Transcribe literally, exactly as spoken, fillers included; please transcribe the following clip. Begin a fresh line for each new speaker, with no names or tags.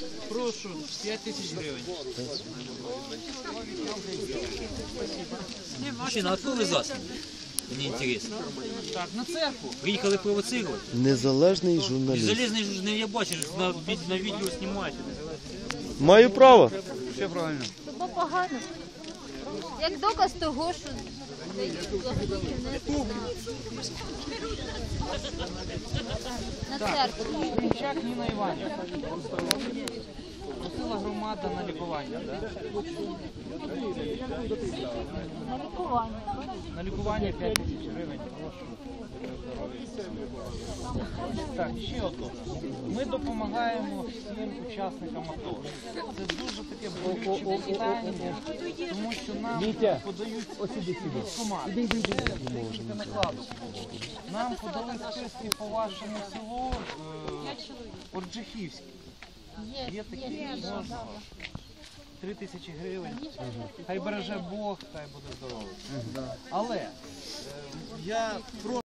Прошу, п'ять тисяч гривень.
Мужчина, а откуда вы засланы? Мне интересно.
Так, на церкву.
Приехали провоцировать?
Незалежний журналіст.
Залезный журналист, я бачу, на, на видео снимаете.
Маю право.
Все правильно.
Тобто погано. Як доказ того, що на церкву.
Гринчак Ніна Іванівна. Просила громада на лікування, так?
На лікування.
На лікування п'ять тисяч гривень. Так, ще одно. Ми допомагаємо всім учасникам АТО. Це дуже таке болюче питання, тому що нам подають військкомати. Це накладу. Нам подали списки по вашому селу е, Орджихівське. Є такі, можна. Три тисячі гривень. Хай береже Бог, хай буде здоровий. Але е, я прошу.